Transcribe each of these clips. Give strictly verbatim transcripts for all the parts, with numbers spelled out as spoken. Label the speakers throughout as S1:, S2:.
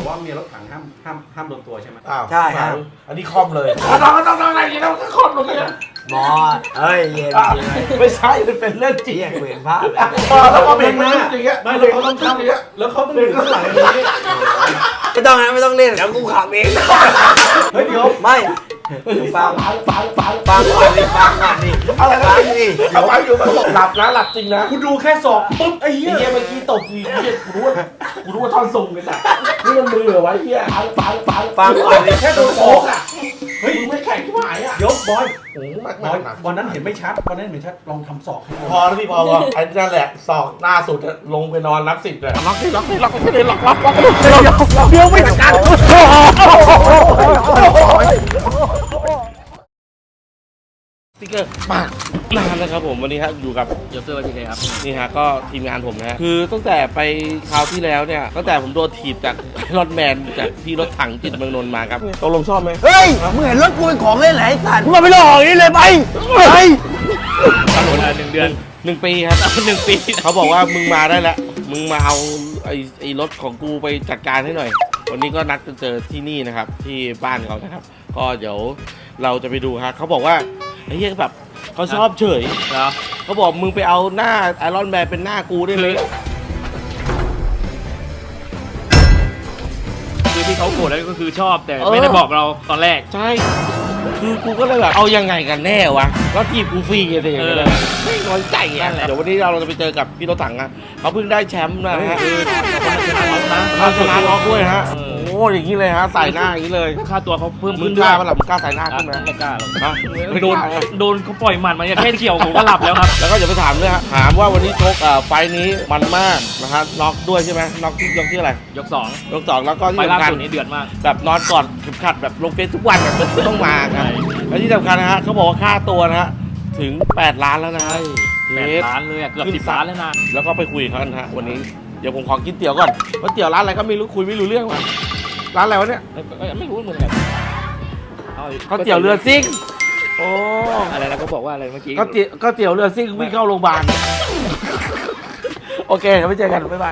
S1: ว่าเมียรถถังห้ามห้ามห้ามโดนตัวใช่ไหม
S2: อ้าว
S3: ใช่ครับ
S2: อันนี้คอมเลยต้องต้องต้องอะไรอย่างเงี้ยต้องคอมลงเลย
S3: หมอเอ้ยเย็น
S2: ไม่ใช่มันเป็นเรื่องจริง
S3: เรียกเวรพลาด
S2: แล้วก็เบรกนะอย่างเงี้ย
S1: ไม่แล้วเขาต้องทำอย่างเงี้ยแล้วเขาต้องดึงข้างหลังอย่างนี้
S3: ไม่ต้องนะไม่ต้องเล่นแล้วกูขับเอง
S1: เฮ้ยเดี๋ยว
S3: ไม่ฟัง
S2: ฟังฟัง
S3: ฟังก่อนดิฟังก่อนดิ
S2: อะไรนะนี่เดี๋ยวฟังอยู่มันหลับนะหลับจริงนะ
S1: กูดูแค่ศอกปุ๊บไอ้เหี้ย
S2: ไอ้เหี้ยเมื่อกี้ตบทีเหี้ยกูรู้ว่ากูรู้ว่าท่อนทรงเลยจ้ะนี่มันมือเหรอวะเหี้ยฟังฟังฟัง
S3: ฟังก่อนดิ
S2: แค่โดนโอ๊กอ่ะเฮ้ยมึงไม่แข็งที่หายอ่ะ
S1: เดี๋ยวบอย
S2: โอ้มาก
S1: บอยวันนั้นเห็นไม่ชัดวันนั้นเห็นไม่ชัดลองทำศอกให้ดู
S2: พอแล้วพี่พอพอไอ้นั่นแหละศอกหน้าสุดลงไปนอนนับสิบเลยล็อกที่ล็อกที่ล็อกไม่ได้ล็อกล็อกล็อกเดี๋ยวเดี๋ยวไม่จัดการสติ๊กเกอร์ปากนานแล้วครับผมวันนี้ครับอยู่กับ
S4: โยเซอร์วันทีเคครับ
S2: นี่ฮะก็ทีมงานผมนะคือตั้งแต่ไปคราวที่แล้วเนี่ยตั้งแต่ผมโดนถีบจากรถแมนจากพี่รถถังจิตเมืองนนท์มาครับตกลงชอบไหม
S3: เฮ้ยมึงเห็นรถกูเป็นของเล่นไหนสัตว์มึงมาไม่รออย่างนี้เลยไปไป
S4: ตำรวจหนึ่งเดือน
S2: หนึ่งปีครับ
S4: หนึ่งปี
S2: เขาบอกว่ามึงมาได้แล้วมึงมาเอาไอ้ไอ้รถของกูไปจัดการให้หน่อยวันนี้ก็นัดกันเจอที่นี่นะครับที่บ้านเขานะครับก็เดี๋ยวเราจะไปดูฮะเขาบอกว่าไอ้เหี้ยแบบเขาชอบเฉยนะเขาบอกมึงไปเอาหน้าไอรอนแมนเป็นหน้ากูได้เลย
S4: คือที่เขาโกรธแล้วก็คือชอบแต่ไม่ได้บอกเราตอนแรก
S2: ใช่คือกูก็เลยแบบเอายังไงกันแน่วะแล้วทีมกูฟรีกันเลยไม่น้อยใจอ่ะเดี๋ยววันนี้เราจะไปเจอกับพี่รถถังนะเขาเพิ่งได้แชมป์นะฮะเขาชนะน็อกด้วยฮะโอ้อย่างนี้เลยฮะใส่หน้าอย่างนี้เลย
S4: ค่าตัวเขาเพิ่ม
S2: มึ
S4: ขึ้
S2: ง
S4: น
S2: กล้าปะล่ะมึงกล้าใส่หน้าขึ้นไหม
S4: ไม่กล้าหรอกโดนโดนเขาปล่อยหมัดมาแค่เกี่ยวผมก็หลับแล้วครับ
S2: แล้วก็อย่าไปถามด้วยฮะถามว่าวันนี้ชกไฟนี้มันมากนะฮะน็อกด้วยใช่ไหมน็อกที่ยกที่อะไร
S4: ยกสอง
S2: ยกสองแล้วก็ที่
S4: สำคัญนี้เดือดมาก
S2: แบบนอนกอดเข็มขัดแบบลงเฟซทุกวันแบบต้องมาครับและที่สำคัญนะฮะเขาบอกว่าค่าตัวนะฮะถึงแปดล้านแล้วนะฮะ
S4: แปดล้านเลยเกือบสิบล้านแล้วนะ
S2: แล้วก็ไปคุยเขากันฮะวันนี้เดี๋ยวผมขอกินเตี๋ยวก่อนว่าเตี๋ยวร้านอะไรก็ไม่รู้คุยไม่รู้เรื่องว่ะร้านอะไรวะเนี่ย
S4: ไม่รู้เหมือนกัน
S2: ก็เตี๋ยวเรือซิ่งโอ้
S4: อะไรนะก็บอกว่าอะไรเมื่อกี้
S2: ก็เตี๋ยวก็เตี๋ยวเรือซิ่งวิ่งเข้าโรงพยาบาลโอเคเดี๋ยวไปเจอกันบ๊ายบาย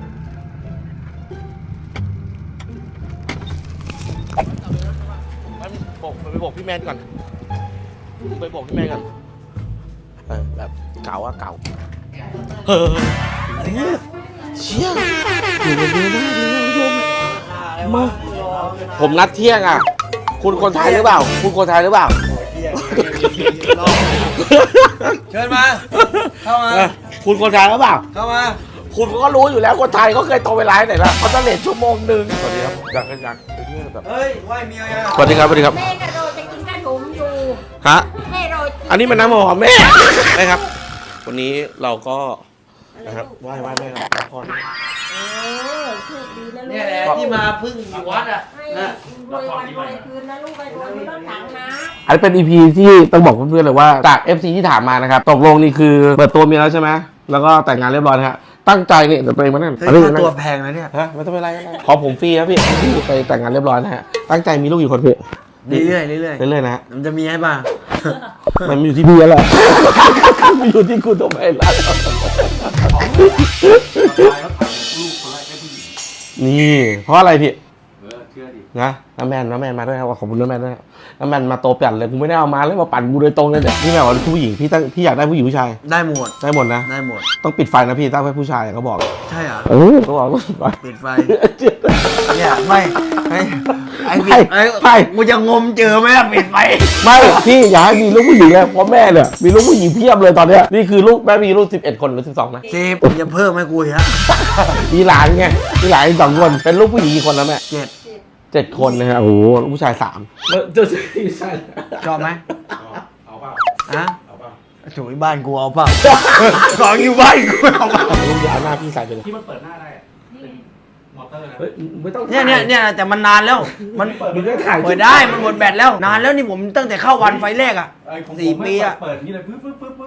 S2: ไปบอกพี่แมนก่อนไปบอกพี่แมนก่อนแบบเก่าอะเก่าเฮ้ยเชี่ยอยู่บนเรือได้เลยผู้ชมมาผมนัดเที่ยงอ่ะคุณคนไทยหรือเปล่าคุณคนไทยหรือเปล่า
S3: เชิญมาเข้ามา
S2: คุณคนไทยหรือเปล่า
S3: เข้ามา
S2: คุณก็รู้อยู่แล้วคนไทยเขาเคยโทรไปไลน์ไหนละเขาจะเลทชั่วโมงหนึ่งสวัสดีครับอยากอยากไปเที่ยวแบบ
S3: เฮ้ยไหวเมียอ่ะ
S2: สวัสดีครับสวัสดีครับ
S5: แม่กระโดดจะกินขนมอยู่
S2: ฮะ
S5: แม่โดด
S2: อันนี้มันน้ำหอมแม่ใช่ครับวันนี้เราก็นะครับไหว้ไหว้แม่ครับขอพร
S5: เออโชคดีนะลูก
S3: เนี่ยแหละที่มาพึ่งอยู่วัดอ่ะ
S5: นะรวยวันรวยคืนนะลูกไปรวยไม่ต้องถังนะ
S2: อันนี้เป็น อี พี ที่ต้องบอกเพื่อนๆเลยว่าจาก เอฟ ซี ที่ถามมานะครับตกลงนี่คือเปิดตัวเมียแล้วใช่ไหมแล้วก็แต่งงานเรียบร้อยนะฮะตั้งใจนี่เดี๋ยวตัวเองมานั่น
S3: ตัวแพงนะเนี่ย
S2: ฮะไม่ต้องเป็นไรขอผมฟรีครับพี่ไปแต่งงานเรียบร้อยนะฮะตั้งใจมีลูกกี่คนพี่
S3: เรื่อยๆเรื่อย
S2: ๆเรื่อยๆนะฮะ
S3: มันจะมีให้ป่ะ
S2: มันอยู่ที่พี่แล้วแหละมันอยู่ที่คุณตัวเองแล้วนี่เพราะอะไรพี่นะน้ำแมนน้ำแมนมาด้วยครับขอบคุณน้ำแมนด้วยน้ำแมนมาโตปั่นเลยกูไม่ได้เอามาเลยมาปั่นกูโดยตรงเลยเนี่ยพี่แม่ว่าผู้หญิงพี่ตั้งพี่อยากได้ผู้หญิงผู้ชาย
S3: ได้หมด
S2: ได้หมดนะ
S3: ได้หมด
S2: ต้องปิดไฟนะพี่ตั้งไว้ผู้ชายเขาบอก
S3: ใช่เหรอ
S2: เออเขาบอก
S3: ปิดไฟเนี่ยไม่ไอ้ไอ้ไอ้ไอ้กูจะงมเจอไหมล่ะปิดไฟ
S2: ไม่พี่อยากให้มีลูกผู้หญิงเลยเพราะแม่เนี่ยมีลูกผู้หญิงเพียบเลยตอนเนี้ยนี่คือลูกแม่มีลูกสิบเอ็ดคนหรือสิบสองนะ
S3: สิบจะเพิ่มให้กูฮะ
S2: มีหลานไงมีหลานสองคนเป็นลูกผู้หญิงกี่คนแล้วแม่
S3: เจ็ด
S2: เจ็ดคนนะครับโอ้โหผู้ชายสาม
S3: เจ้าชายชอบไหม
S1: เอาเปล่า
S3: ฮะเอาเปล่าถูกบ้านกูเอาเปล่าของอยู่บ้านกูเอาเปล่า
S2: ลูกอย่าเอาหน้าพี่ใส่ไปเลย
S1: ที่มันเปิดหน้าได้มอเตอร์นะ
S2: ไม่ต้อง
S3: เนี่ยเนี่ยเนี่ยแต่มันนานแล้วมันเปิดได้มันหมดแบตแล้วนานแล้วนี่ผมตั้งแต่เข้าวันไฟแรกอ่ะสี่ปีอ่ะ
S1: เปิดนี่เลยปึ๊บปึ๊บปึ๊บปึ๊บปึ๊บ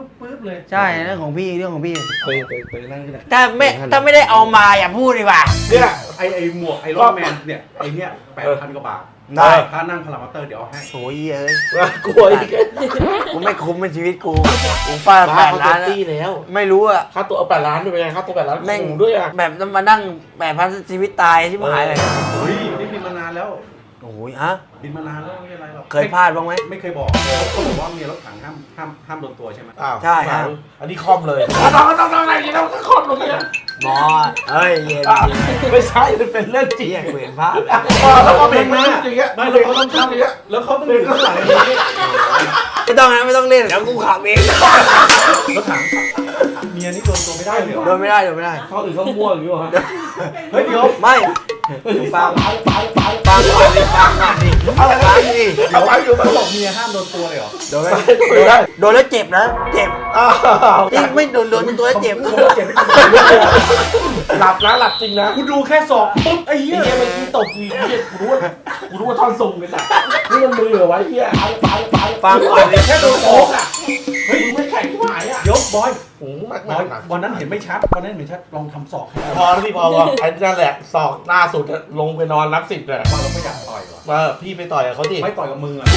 S1: เลย
S3: ใช่เรื่องของพี่เรื่องของพี่
S2: ไปไปไปนั่งที่ไหน
S3: ถ้าไม่ถ้าไม่ได้เอามาอย่าพูดดีกว่า
S1: เนี่ยไอไอหมวกไอรอนแมนเนี่ยไอเนี่ยแปดพันกว่าบาท
S3: ได้
S1: ถ้านั่งพารามอเตอร์เดี๋ยวเอาให้
S3: โอ้ยเอ้ย
S2: กลัวอีก
S3: กูไม่คุ้มเป็นชีวิตกูกูฟาดแป
S2: บ้า
S3: ด
S2: เขา
S3: ล้า
S2: เต็
S3: น
S2: มที่แล้ว
S3: ไม่รู้อะ
S2: ค่าตัวเอาแปดล้านด้วยเป็นไงค่าตัวแปดล้าน
S3: แม่ง
S2: ขู่ด้วยอ่ะ
S3: แบบมานั่งแปดพันชีวิตตายที่หายเลย
S1: เฮ้ยนี่บินมานานแล้ว
S3: โอ้ยฮะ
S1: บินมานานแล้วไม่เป็นไรหรอก
S3: เคยพลาดบ้างไหม
S1: ไม่เคยบอกเขาบอกว่ามีรถถังห้ามห้ามห้ามโดนตัวใช่ไหม
S2: อ้าว
S3: ใช่ฮะ
S2: อันนี้คอมเลยต้องต้องต้องอะไรอย่างนี้ต้องคอมลงเนี่ย
S3: หมอเอ้ยเย็น
S2: ไม่ใช่มันเป็นเรื่องจริง
S3: เหี้ยกูเห็นภาพ
S2: แล้วก็เป็นเรื่องอย่างเงี้ย
S1: ไม่แล้วเขาต้องทำอย่างเงี้ยแล้วเขาต้องอยู่ข้างหลังอย่างนี้
S3: ไม่ต้องนะไม่ต้องเล่นเดี๋ยวกูขับเอง
S1: รถถังเมียนี่โดนตัวไม่ได้เลยเหรอ
S3: โดนไม่ได้โดนไม่ได้
S2: เขาอื่นเขามั่วอย่างนี้วะ
S1: เฮ้ยเดี๋ยว
S3: ไม่ฟังฟังฟังฟังก่อนดิฟังก่อนดิอะไรฟังดิ
S1: เดี๋ยวอยู่เขาบอกเมียห้ามโดนตัวเลยเหรอ
S3: โดนโดนโดนแล้วเจ็บนะเจ็บจริงไม่โดนโดนตัวแล้วเจ็บ
S1: เขาเจ็บไม่เป็นไร
S2: หลับนะหลับจริงนะ
S1: กูดูแค่ศอกปุ๊บไอ้เหี้
S2: ไอ้
S1: ย
S2: เหี้ยมันที่ตบวีเหี้ยกูรู้ว่ากูรู้ว่าท่อนทรงเลยจ้ะนี่มันมือเหรอวะเหี้ยไอ้ไฟไฟ
S3: ฟังก่อนดิ
S1: แค่โดน
S2: โอ้
S1: โอ๊ก
S2: อ่ะเฮ้ยมึงไม่แข่งที่หายอ่ะ
S1: เดี๋ยวบอย
S2: โอ้โหมาก
S1: บ
S2: มา
S1: อก ย
S2: หนัก
S1: วันนั้นเห็นไม่ชัดวันนั้นเห็นไม่ชัดลองทำศอกให้ดู
S2: พอแล้วพี่พอพอไอ้นั่นแหละสอกหน้าสุดอะลงไปนอนรับสิทธิ์เลย
S1: ว่าเราไม่อยากต่อยหรอ
S2: มาพี่ไปต่อยกับเขาดิ
S1: ไม่ต่อยกับมึงอ่ะ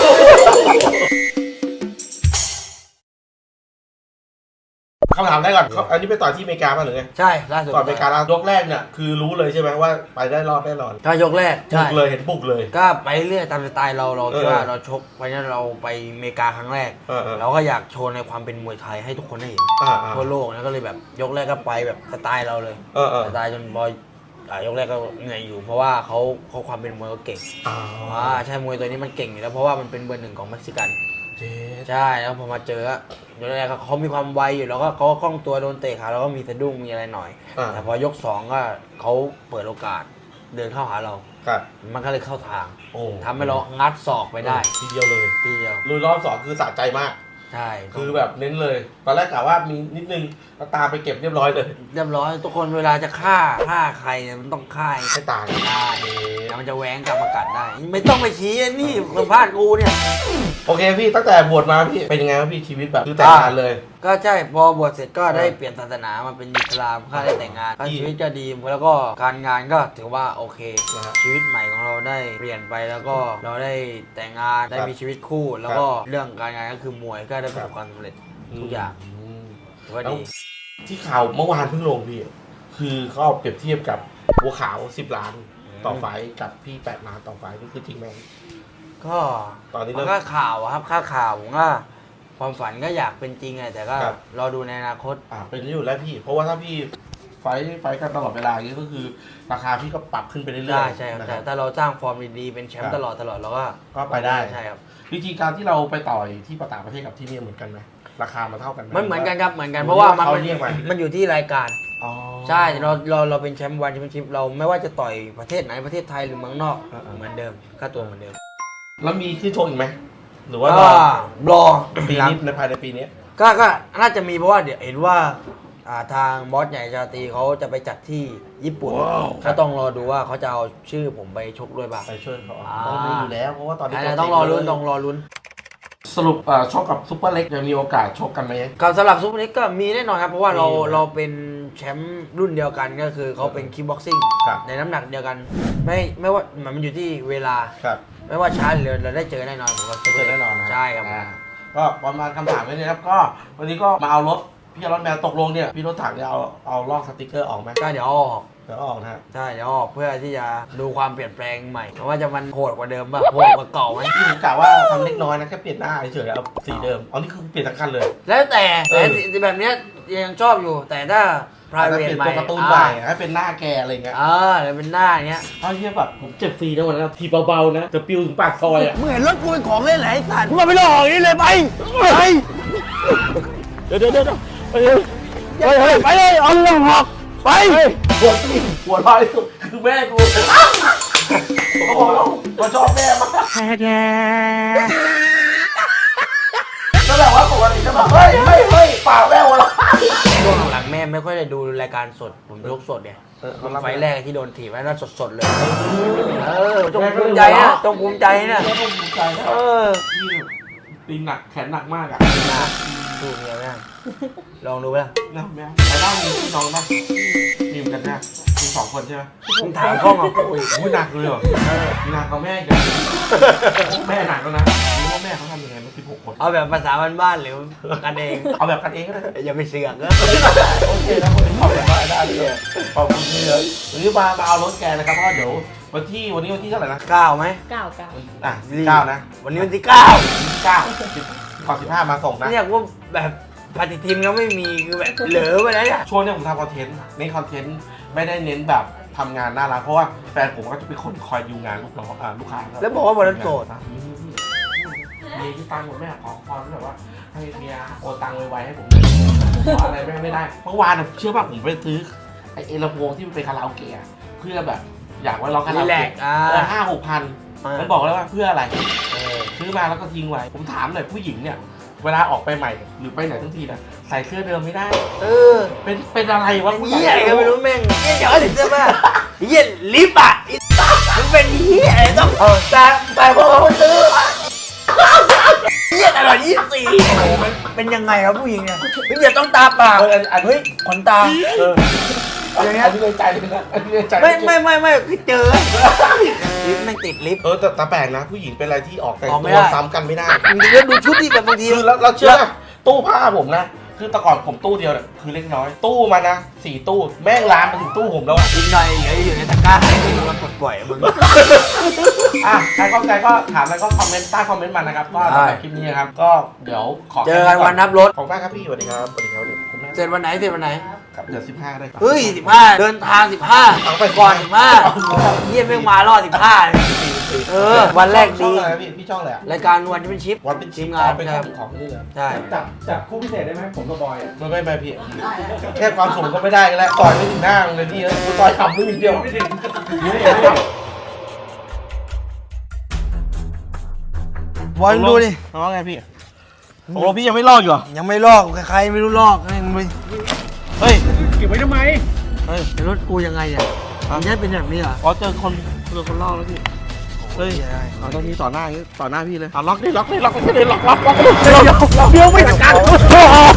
S2: คำถามได้ก่อนเขาอันนี้ไปต่อยที่อเมริกาป่ะหรือไง
S3: ใช่ล่าสุด
S2: ก่อนอเมริกาแล้วยกแรกเนี่ยคือรู้เลยใช่ไหมว่าไปได้รอดแน่นอน
S3: ก็ยกแรก
S2: บุ
S3: ใช่
S2: กเลยเห็นบุกเลย
S3: ก็ไปเรื่อยตามสไตล์เราเราคิดว่า
S2: เออ
S3: เราชกไปนั้นเราไปอเมริกาครั้งแรก
S2: เออเออ
S3: เราก็อยากโชว์ในความเป็นมวยไทยให้ทุกคนได้เห็น
S2: อ่าอ่า
S3: ทั่วโลกนะก็เลยแบบยกแรกก็ไปแบบสไตล์เราเลย
S2: เออเออ
S3: สไตล์จนบอยอ่ายกแรกก็เหนื่อยอยู่เพราะว่าเขาเขาความเป็นมวยเขาเก่ง
S2: อ่า
S3: อ่าใช่มวยตัวนี้มันเก่งอยู่แล้วเพราะว่ามันเป็นเบอร์หนึ่งของเม็กซิกัน
S2: เจ๊
S3: ใช่แล้วพอมาเจออะยกแรกเขามีความไวอยู่แล้วก็เขาก็คล่องตัวโดนเตะขาแล้วก็มีสะดุ้งมีอะไรหน่อย
S2: อ่า
S3: แต่พอยกสองก็เขาเปิดโอกาสเดินเข้าหาเรา
S2: ครับ
S3: มันก็เลยเข้าทาง
S2: โอ้
S3: ทำให้เรางัดศอกไปได้
S2: ทีเดียวเลย
S3: ทีเดียว
S2: ลุยรอบสองคือสะใจมาก
S3: ใช่
S2: คือแบบเน้นเลย ตอนแรกกะว่ามีนิดนึงก็ตามไปเก็บเรียบร้อยเลย
S3: เรียบร้อยทุกคนเวลาจะฆ่าฆ่าใครเนี่ยมันต้องฆ่าให้
S2: ไม่ต่าง
S3: ได้แล้วมันจะแหวงกลับมากัดได้ ไม่ต้องไปชี้อะนี่สัมภาษณ์กูเนี่ย
S2: โอเคพี่ตั้งแต่บวชมาพี่เป็นยังไงครับพี่ชีวิตแบบคือแต่งงานเลย
S3: ก็ใช่พอบวชเสร็จก็ได้เปลี่ยนศาสนามาเป็นอิสลามก็ได้แต่งงานชีวิตก็ดีแล้วก็การงานก็ถือว่าโอเค
S2: นะฮะ
S3: ชีวิตใหม่ของเราได้เปลี่ยนไปแล้วก็เราได้แต่งงานได้มีชีวิตคู่ แล้วก็เรื่องการงานก็คือมวยก็ได้ประสบความสำเร็จทุกอย่าง
S2: ม
S3: ถือว่า
S2: แล้ว
S3: ดี
S2: ที่ข่าวเมื่อวานเพิ่งลงพี่ คือเขาเอาเปรียบเทียบกับบัวขาวสิบล้านต่อไฟท์กับพี่แปดล้านต่อไฟท์นี่คือจริงไหม
S3: ก็
S2: ตอนนี้
S3: มั
S2: เริ่
S3: น
S2: ม
S3: ก็ข่าวอะครับค่าข่าวผมก็ความฝันก็อยากเป็นจริงไงแต่ก็
S2: ครับ
S3: รอดูในอนาคต
S2: อ่าเป็นอยู่แล้วพี่ เพราะว่าถ้าพี่ไฟท์ไฟท์กันตลอดเวลาอย่างนี้ก็คือราคาพี่ก็ปรับขึ้นไปเรื่อยๆ
S3: ได้ใช่ครับ
S2: นะ
S3: แต่ถ้าเราสร้างฟอร์มดีๆเป็นแชม
S2: ครั
S3: ป์
S2: บ
S3: ตลอดตลอดเราก็
S2: ก็ไปได้
S3: ใช่ครับ
S2: วิธีการที่เราไปต่อยที่ต่างประเทศกับที่นี่เหมือนกันไหมราคามันเท่ากันไหม
S3: มันเหมือนกันครับเหมือนกัน
S2: หรือ
S3: เพราะว่ามัน
S2: ว่าเขาเรียกมามั
S3: มันอยู่ที่รายการ
S2: อ๋อ
S3: ใช่เราเราเราเป็นแชมป์วันแชมเปี้ยนชิพเราไม่ว่าจะต่อยประเทศไหนประเทศไทยหรือเมืองนอก
S2: อ่าๆ
S3: เหมือนเดิมค่าตัวเหมือนเดิม
S2: แล้วมีขึ้นโชว์อีกไหมหรือว่า
S3: ก็
S2: รอ
S3: รอ
S2: ปี
S3: หลัง
S2: นี้ในภายในปีนี้
S3: ก็ก็น่าจะมีเพราะว่าเดี๋ยวเห็นว่าอ่าทางบอสใหญ่ชาตรีเขาจะไปจัดที่ญี่ปุ่นก็ต้องรอดูว่าเขาจะเอาชื่อผมไปชกด้วยป่ะ
S2: ไปช่วยเขา
S3: อ่า
S2: ต้องมีอยู่แล้วเพราะว่าตอนนี้
S3: อ่าต้องรอลุ้นต้องรอลุ้น
S2: สรุปเอ่อชกกับซุปเปอร์เล็กยังมีโอกาสชกกันไหม
S3: กับสำหรับซุปเปอร์เล็กก็มีแน่นอนครับ เพราะว่าเรา
S2: มีอยู่แล้ว
S3: เราเป็นแชมป์รุ่นเดียวกันก็คือเขาเป็นคิกบ็อกซิ่ง
S2: ครับ
S3: ในน้ำหนักเดียวกัน ไม่ไม่ว่ามันอยู่ที่เวลา
S2: ครับ
S3: ไม่ว่าช้าหรือเร็วเราได้เจอแน่นอนผมว่า
S2: เจอแน่นอนนะ
S3: ใช่ครับ
S2: อ่าก็ประมาณคำถามแค่นี้ครับก็วันนี้ก็มาเอารถพี่รถแมวตกลงเนี่ยพี่รถถังเนี่ยเอาเอาลอกสติกเกอร์ออกไหม
S3: ก็เดี๋ยวเอาออก
S2: เดี๋ยวเอาออกนะฮะ
S3: ใช่เดี๋ยวเอาออกเพื่อที่จะดูความเปลี่ยนแปลงใหม่ว่าจะมันโหดกว่าเดิมป่ะโหดกว่าเก่าไหม
S2: พี่ผมกะว่าทำเล็กน้อยนะแค่เปลี่ยนหน้าเฉยๆเอาสีเดิมอ๋อนี่คือเปลี่ยนทั้งคันเลย
S3: แล้วแต่
S2: เอ
S3: แต่
S2: อ
S3: ที่แบบเนี้ยยังชอบอยู่แต่ถ้า
S2: ถ้า
S3: private
S2: เปลี่ยน
S3: ใหม่
S2: ตัวการ์ตูนใหม่ให้เป็นหน้าแกอะไรเงี้ย
S3: อ่าเดี๋ยวเป็นหน้าอย่างเงี้ย
S2: เอาเทียบแบบผมเจ็บฟรีนะวันนั้นทีเบาๆนะจะปิวถึงปากซอยอ่ะ
S3: มึงเห็นรถกูเป็นของเล่นไหนสัตว์มึงมาไปหลอกอย่างนี้เลยไปไป
S2: เดี๋ยวเดี๋ยวเดี๋ยวไปเลย
S3: ไปเลยไปเลยเอาเรื่องหอกไป
S2: หัวที่หัวลอยสุดคือแม่กูเขาบอกแล้วว่าชอบแม่มากก็แบบว่าปกติจะแบบเฮ้ยเฮ้ยเฮ้ยป่าแม่หัวเราะ
S3: ช่วงหลังแม่ไม่ค่อยได้ดูรายการสดผมยกสดเนี่ย
S2: เออ
S3: ไฟล์แรกที่โดนถีบไว้นั่นสดๆเลยเออจงภูมิใจนะจงภูมิใจนะ
S2: แม่ก็ภูมิใจนะ
S3: เออ
S2: พี่ตีนหนักแขนหนักมากอ่ะ
S3: นะสู้เมียไม่ได้ลองดูไหมล่ะ
S2: นะแม่แต่ด้านมีพี่น้องป่ะมีเหมือนกันนะมีสองคนใช่ไหม
S3: มึงถามกล้องเอา
S2: โอ้ยโอ้ยหนักเลยเหรอหนักกว่าแม่อีกแม่หนักแล้วนะรู้ว่าแม่เขาทำยังไงมันสิบหกคน
S3: เอาแบบภาษาบ้านๆหรือกันเอง
S2: เอาแบบกันเองก็ได้
S3: อย่าไปเสือกนะ
S2: โอเคนะคนที่ขอบคุณมากได้เลยขอบคุณที่เลยวันนี้มามาเอารถแกนะครับเพราะว่าเดี๋ยววันที่วันนี้วันที่เท่าไหร่นะ
S3: เก้าไหม
S5: เก้าเก้า
S2: อ่ะเก้านะ
S3: วันนี้วันที่เก้า
S2: เก้าสิบก่อนสิบห้ามาส่งนะ
S3: เนี่ยว่าแบบปฏิทินก็ไม่มีคือแบบเหลือไปแล้วเนี่ย
S2: ช่วงนี้ผมทำคอนเทนต์เน้นคอนเทนต์ไม่ได้เน้นแบบทำงานหน้าร้านเพราะว่าแฟนผมก็จะเป็นคนคอยดูงานลูกน้องอ่าลูกค้า
S3: แล้วบอกว่าวันนั้นโสด
S2: นะเมียที่ตังค์ผมแม่ขอพรแบบว่าให้เมียโอนตังค์ไวๆให้ผมขออะไรแม่ไม่ได้เมื่อวานน่ะเชื่อป่ะผมไปซื้อไอ้เอลำโพงที่มันเป็นคาราโอเกะเพื่อแบบอยากไว้ร้องคาราโอ
S3: รีแล
S2: เกะ
S3: กซ์อ่า
S2: เออห้าหกพัน
S3: อ่ามั
S2: มันบอกเลยว่าเพื่ออะไร
S3: เออ
S2: ซื้อมาแล้วก็ทิ้งไว้ ผมถามหน่อยผู้หญิงเนี่ย เวลาออกไปใหม่ หรือไปไหนทั้งทีนะใส่เสื้อเดิมไม่ได้
S3: เออ
S2: เป็นเป็นอะไรวะ
S3: เหี้ยอะไรก็ไม่รู้แม่งเหี้ยเดี๋ยวถึงเสื้อผ้าเหี้ยลิฟต์อ่ะไอ้มึงเป็นเหี้ยอะไรต้องเออแต่แต่พอเขาซื้อเหี้ยตลอดยี่สิบสี่โอ้โหมันเป็นยังไงครับผู้หญิงเนี่ยเฮ้ยอย่าต้องตาเปล่า
S2: เอออันอัน
S3: เฮ้ยขนตา
S2: เออ
S3: อย่างเงี้ย
S2: อันนี้ในใจเลยนะอันนี้ในใจ
S3: ไม่ไม่ไม่ไม่คือเจอลิฟต์แม่งติดลิฟต์
S2: เออแต่แต่แปลกนะ ผู้หญิงเป็นอะไรที่ออกแต่ง
S3: ออกไม่
S2: ตัว
S3: ได้
S2: ซ้ำกันไม่ได้
S3: มึงจะดูชุดที่แบบบางที
S2: คือแล้วเราเชื่อนะตู้ผ้าผมนะ คือแต่ก่อนผมตู้เดียวเนี่ยคือเล็กน้อย ตู้มานะสี่ตู้แม่งลามมาถึงตู้ผมแล้วอะ
S3: อีกหน่อยเดี๋ยวอยู่ในตะกร้าให้มึงมาปลดปล่อยมึง
S2: อ่ะใครเข้าใจก็ถามแล้วก็คอมเมนต์ใต้คอมเมนต์มานะครับก็สำหรับคลิปนี้นะครับก็เดี๋ยวขอ
S3: เจอกันวันนับรถ
S2: ขอบคุณมากครับพี่สวัสดีครับสวัสดีครับเดี๋ยวคุณแม่
S3: เสร็จวันไหนเสร็จวันไหน
S2: ครับเดี๋ยวสิบห้าได้ครับ
S3: เฮ้ยสิบห้าเดินทางสิบห้า
S2: เอาไป
S3: ก่อนสิบห้าเยี่ยมแม่งมารอดสิบห้าเออ วันแรก
S2: ช่อ
S3: ดี
S2: งอะไรนะพี่พี่ช่องอะไรอะ
S3: รายการวันที่เป็นชิป
S2: วันเป็น
S3: ที
S2: ที
S3: ม
S2: ม
S3: งาน
S2: เป็น
S3: ใช่
S2: ของของนี่เลย
S3: ใช่
S1: จับจับคู่พิเศษได้ไหมผมกับบอยอะ
S2: ไม่ไม่ไม่พี่แค่ความสูงก็ไม่ได้กันแล้วต่อยไม่ถึงหน้ามึงเลยพี่เอ้ยกูต่อยทำไม่ถึงเดียวไม่ถึงนี่เอง
S3: บอลดูดิ
S2: น้องไงพี่โอ้พี่ยังไม่ลอกอยู่เหรอ
S3: ยังไม่ลอกใครๆไม่รู้ลอกนี่มึง
S2: เฮ้ย
S1: เก็บไว้ทำไม
S2: เฮ้ย
S3: รถกูยังไงเนี่ยมึงจะเป็นแบบนี้เหรอ
S2: อ๋อเจอคนเจอคนลอกแล้วพี่เฮ้ยเอาตอนนี้ต่อหน้าอย่างงี้ต่อหน้าพี่เลยเอาล็อกดิล็อกดิล็อกดิล็อกล็อกล็อกล็อกเดี๋ยวเดี๋ยวไม่จัดการ